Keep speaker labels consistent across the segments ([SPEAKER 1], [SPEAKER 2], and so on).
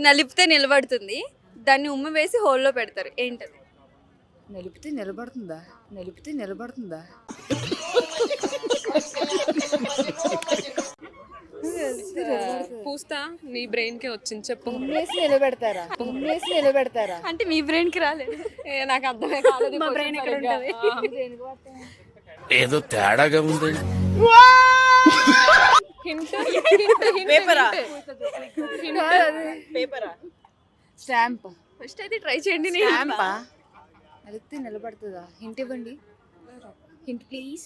[SPEAKER 1] నలిపితే నిలబడుతుంది, దాన్ని ఉమ్మి వేసి హోల్లో పెడతారు, ఏంటది?
[SPEAKER 2] నిలిపితే నిలబడుతుందా? నిలిపితే నిలబడుతుందా?
[SPEAKER 3] పూస్తా నీ బ్రెయిన్ కి వచ్చింది, చెప్పు.
[SPEAKER 2] ఉమ్మేసి నిలబెడతారా? ఉమ్మేసి నిలబెడతారా?
[SPEAKER 1] అంటే మీ బ్రెయిన్ కి రాలేదు.
[SPEAKER 3] నాకు అర్థమే కాలేదు.
[SPEAKER 1] మా బ్రెయిన్ ఎక్కడ ఉంటది?
[SPEAKER 4] ఏదో తేడాగా ఉంది.
[SPEAKER 2] స్టాంప్.
[SPEAKER 1] ఫస్ట్ అయితే ట్రై చేయండి.
[SPEAKER 2] స్టాంపా? నిలిపితే నిలబడుతుందా? హింట్ ఇవ్వండి. Hint please.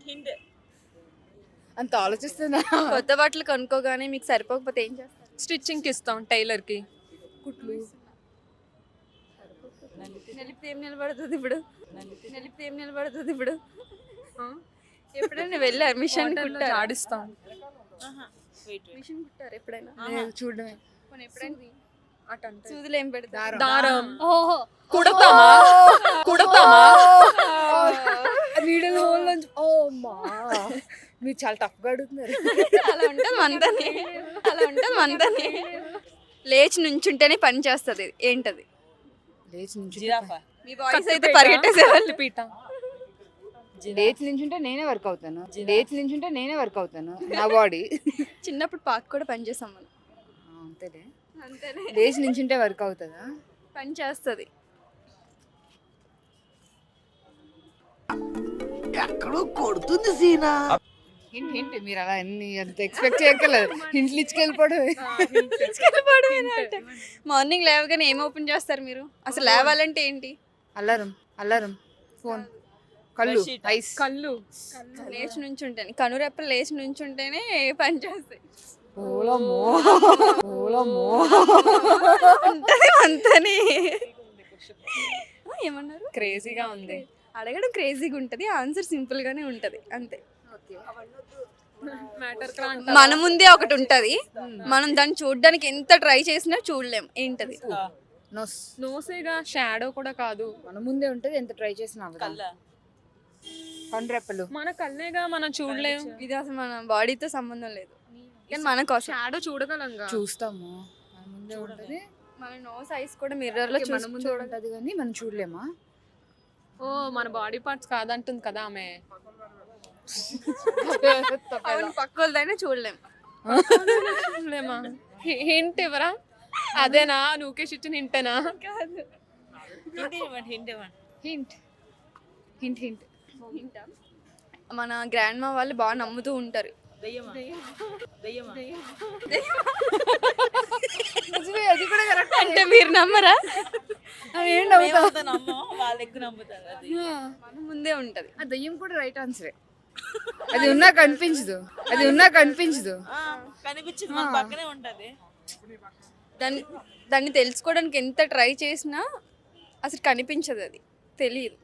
[SPEAKER 2] అంత ఆలోచిస్తున్నా.
[SPEAKER 1] కొత్త బట్టలు కొనుక్కోగానే మీకు సరిపోకపోతే ఏం చేస్తారు?
[SPEAKER 3] స్టిచ్చింగ్ కి ఇస్తాం టైలర్ కి.
[SPEAKER 2] కుట్లు.
[SPEAKER 1] నలిపితే ఏం నిలబడుతుంది ఇప్పుడు? నలిపితే ఏం నిలబడుతుంది ఇప్పుడు? ఎప్పుడైనా వెళ్ళారు మిషన్ కుట్టారు?
[SPEAKER 3] ఆడిస్తాం.
[SPEAKER 1] మిషన్ కుట్టారు ఎప్పుడైనా?
[SPEAKER 2] లేదు, చూడడమే.
[SPEAKER 1] ఎప్పుడైనా సూదులు ఏం పెడతారు?
[SPEAKER 3] దారం.
[SPEAKER 1] ఓహో,
[SPEAKER 3] కుడతామా?
[SPEAKER 2] నీడల హోల్ నుంచి. ఓ మా, మీరు చాలా టఫ్గా అడుగుతున్నారు.
[SPEAKER 1] అలా ఉంటుంది మనతోనే, అలా ఉంటుంది మనతోనే. లేచి నుంచుంటేనే పని చేస్తుంది, ఏంటది?
[SPEAKER 2] లేచి నుంచి.
[SPEAKER 1] మీ బాయ్స్ అయితే పరిగెట్టేసేవాళ్ళు.
[SPEAKER 3] పీట.
[SPEAKER 2] లేచి నించుంటే నేనే వర్క్ అవుతాను. లేచి నించుంటే నేనే వర్క్ అవుతాను. నా బాడీ.
[SPEAKER 1] చిన్నప్పుడు పార్క్ కూడా పని చేసాం మనం.
[SPEAKER 2] అంతేలే.
[SPEAKER 1] అంతేనే,
[SPEAKER 2] లేచి నించుంటే వర్క్ అవుతుందా?
[SPEAKER 1] పని చేస్తుంది.
[SPEAKER 5] ఎక్కడో కొడుతుంది సీనా.
[SPEAKER 2] హింట్ హింట్, మీరు అలా అన్ని అంత ఎక్స్పెక్ట్ చేయక్కర్లేదు. హింట్లు ఇచ్చుకెళ్ళిపోవడం.
[SPEAKER 1] మార్నింగ్ లేవగానే ఏం ఓపెన్ చేస్తారు మీరు? అసలు లేవాలంటే ఏంటి?
[SPEAKER 2] అలారం. అలారం. ఫోన్. కళ్ళు. ఐస్.
[SPEAKER 3] కళ్ళు.
[SPEAKER 1] లేచి నుంచుంటేనే, కనురెప్పలు లేచి నుంచుంటేనే పని చేస్తాయి.
[SPEAKER 2] ఓలమ్మో. ఓలమ్మో.
[SPEAKER 1] అంతనే. ఏమన్నారు?
[SPEAKER 3] క్రేజీగా ఉంది.
[SPEAKER 1] అడగడం క్రేజీగా ఉంటుంది, ఆన్సర్ సింపుల్ గానే ఉంటది, అంతే. మన ముందే ఒకటి ఉంటది, మనం దాన్ని చూడడానికి ఎంత ట్రై చేసినా చూడలేం, ఏంటది?
[SPEAKER 2] నోస్.
[SPEAKER 3] నోసేగా, షాడో కూడా కాదు.
[SPEAKER 2] మన ముందే ఉంటది, ఎంత ట్రై చేసినా అవ్వదు. కండ్రెప్పలు.
[SPEAKER 3] మన కళ్ళేగా, మనం చూడలేం.
[SPEAKER 1] ఇది అసలు మన బాడీతో సంబంధం లేదు, కానీ మన కోసం
[SPEAKER 3] షాడో చూడగలంగా.
[SPEAKER 2] చూస్తాము, మన ముందే ఉంటది.
[SPEAKER 1] మన నోస్ ఐస్ కూడా మిర్రర్ లో
[SPEAKER 2] మన ముందే ఉంటది కానీ మనం చూడలేమా?
[SPEAKER 3] ఓ, మన బాడీ పార్ట్స్ కాదంటుంది కదా ఆమె.
[SPEAKER 1] పక్క వాళ్ళదైనా చూడలేం.
[SPEAKER 3] చూడలేమా? హింట్ ఇవ్వరా? అదేనా నువ్వుకేసి ఇచ్చిన హింటేనా?
[SPEAKER 2] హింట్. Hint hint.
[SPEAKER 1] మన గ్రాండ్ మా వాళ్ళు బాగా నమ్ముతూ ఉంటారు.
[SPEAKER 2] అది కూడా కరెక్ట్.
[SPEAKER 1] అంటే మీరు నమ్మరా? మన ముందే ఉంటది.
[SPEAKER 2] ఆ దయ్యం కూడా రైట్ ఆన్సరే. అది ఉన్నా కనిపించదు. అది ఉన్నా కనిపించదు.
[SPEAKER 1] దాన్ని తెలుసుకోవడానికి ఎంత ట్రై చేసినా అసలు కనిపించదు, అది తెలియదు.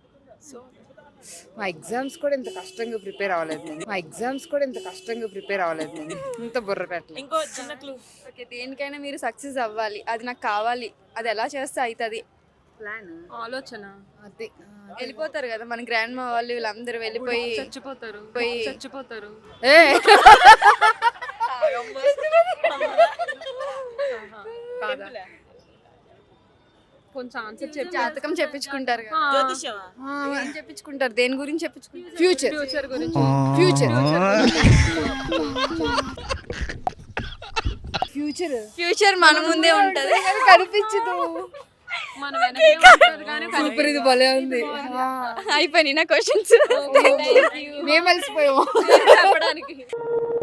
[SPEAKER 2] మా ఎగ్జామ్స్ కూడా ఇంత కష్టంగా ప్రిపేర్ అవ్వలేదు నేను. మా ఎగ్జామ్స్ కూడా ఇంత కష్టంగా ప్రిపేర్ అవ్వలేదు నేను. ఇంత బుర్ర పెట్టలేదు.
[SPEAKER 1] ఇంకో చిన్న క్లూ. ఓకే, దేనికైనా మీరు సక్సెస్ అవ్వాలి, అది నాకు కావాలి, అది ఎలా చేస్తే అవుతుంది?
[SPEAKER 2] ప్లాన్,
[SPEAKER 3] ఆలోచన.
[SPEAKER 2] అది
[SPEAKER 1] వెళ్ళిపోతారు కదా మన గ్రాండ్ మా వాళ్ళు, వీళ్ళందరూ వెళ్ళిపోయి
[SPEAKER 3] చచ్చిపోతారు.
[SPEAKER 2] ఏ
[SPEAKER 3] కొంచెం ఆన్సర్ చెప్పి.
[SPEAKER 1] జాతకం చెప్పించుకుంటారు కదా, ఏం చెప్పించుకుంటారు? దేని గురించి చెప్పించుకుంటారు?
[SPEAKER 3] ఫ్యూచర్ గురించి.
[SPEAKER 1] ఫ్యూచర్ మన ముందే ఉంటది,
[SPEAKER 2] కనిపించదు.
[SPEAKER 3] మన వెనకే ఉంటది కానీ
[SPEAKER 2] సూపర్, ఇది భలే ఉంది.
[SPEAKER 1] అయిపోయినాయి నా క్వశ్చన్స్.
[SPEAKER 2] మేము కలిసిపోయాము
[SPEAKER 3] చెప్పడానికి.